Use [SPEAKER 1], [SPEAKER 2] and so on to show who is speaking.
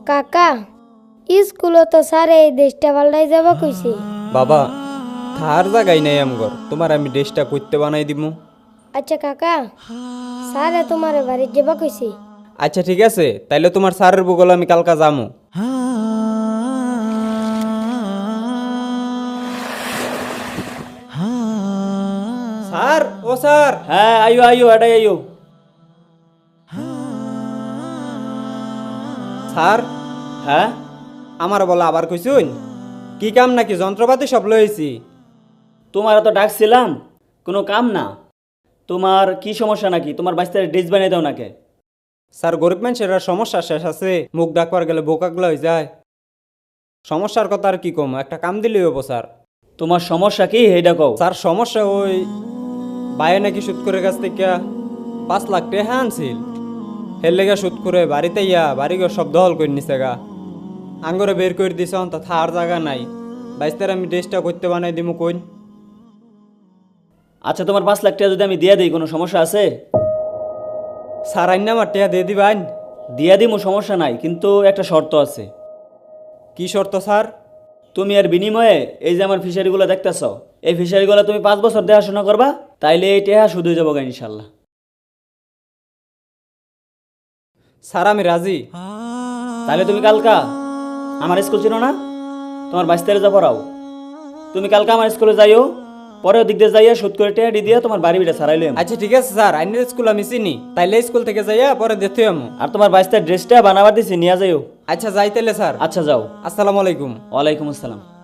[SPEAKER 1] কাকা স্কুলে তো স্যার এই দেশটা পাল্টাই যাব কইছে।
[SPEAKER 2] বাবা থার জায়গায় নাই আমগর, তোমার আমি ড্রেসটা করতে বানাই দিমু।
[SPEAKER 1] আচ্ছা কাকা, স্যারে তোমার বাড়ির যাব কইছে।
[SPEAKER 2] আচ্ছা ঠিক আছে, তাইলে তোমার স্যারের বগল আমি কালকা যামু। স্যার, ও স্যার।
[SPEAKER 3] হ্যাঁ আইও আইও এটাই আইও।
[SPEAKER 2] স্যার,
[SPEAKER 3] হ্যাঁ
[SPEAKER 2] আমার বলা আবার কইছুন কি কাম নাকি? যন্ত্রপাতি সব লইছি।
[SPEAKER 3] তোমার তো ডাকছিলাম, কোনো কাম না। তোমার কি সমস্যা নাকি? তোমার বাচ্চার ড্রেস বানিয়ে দাও নাকি?
[SPEAKER 2] স্যার, গরিব মানুষের আর সমস্যা শেষ আছে, মুখ ডাকবার গেলে বোকাগুলো হয়ে যায়। সমস্যার কথা আর কি কম, একটা কাম দিলেই হবো স্যার।
[SPEAKER 3] তোমার সমস্যা কি এইটা কও।
[SPEAKER 2] স্যার সমস্যা ওই বাইরে নাকি সুদ করে কাছ থেকে 5 লাখ টাকা আনছিল, হের লেগে সুদ করে বাড়িতে ইয়া বাড়িঘর সব দখল করে নিছে গা। আঙ্গরে বের করে দিছে, তা থার জায়গা নাই। বাইস্তার আমি ড্রেসটা করতে বানাই দিমু কইন।
[SPEAKER 3] আচ্ছা তোমার 5 লাখ টাকা যদি আমি দিয়ে দিই কোনো সমস্যা আছে?
[SPEAKER 2] স্যার আইন আমার টাকা দিয়ে দিবান।
[SPEAKER 3] দিয়া দিমু, সমস্যা নাই, কিন্তু একটা শর্ত আছে।
[SPEAKER 2] কি শর্ত স্যার?
[SPEAKER 3] তুমি আর বিনিময়ে এই যে আমার ফিশারিগুলো দেখতেছ, এই ফিশারিগুলো তুমি 5 বছর দেখাশোনা করবা, তাইলে এই টাকা শুধু যাবো গা ইনশাল্লাহ।
[SPEAKER 2] স্যার আমি রাজি।
[SPEAKER 3] তাহলে তুমি কালকা আমার স্কুল ছিল না, তোমার 22 যা পড়াও, তুমি কালকা আমার স্কুলে যাইও, পরে ওদিক দিয়ে যাইয়া সুদ করে টেহাডি দিয়ে তোমার বাড়ি বিটা সারাইলে।
[SPEAKER 2] আচ্ছা ঠিক আছে স্যার, আইনের স্কুল আমি চিনি, তাইলে স্কুল থেকে যাইয়া পরে দেখতে আমু।
[SPEAKER 3] আর তোমার 22 ড্রেসটা বানাবার দিছি, নিয়ে যাইও।
[SPEAKER 2] আচ্ছা যাইতেলে স্যার।
[SPEAKER 3] আচ্ছা যাও।
[SPEAKER 2] আসসালামু আলাইকুম।
[SPEAKER 3] ওয়ালাইকুম আসসালাম।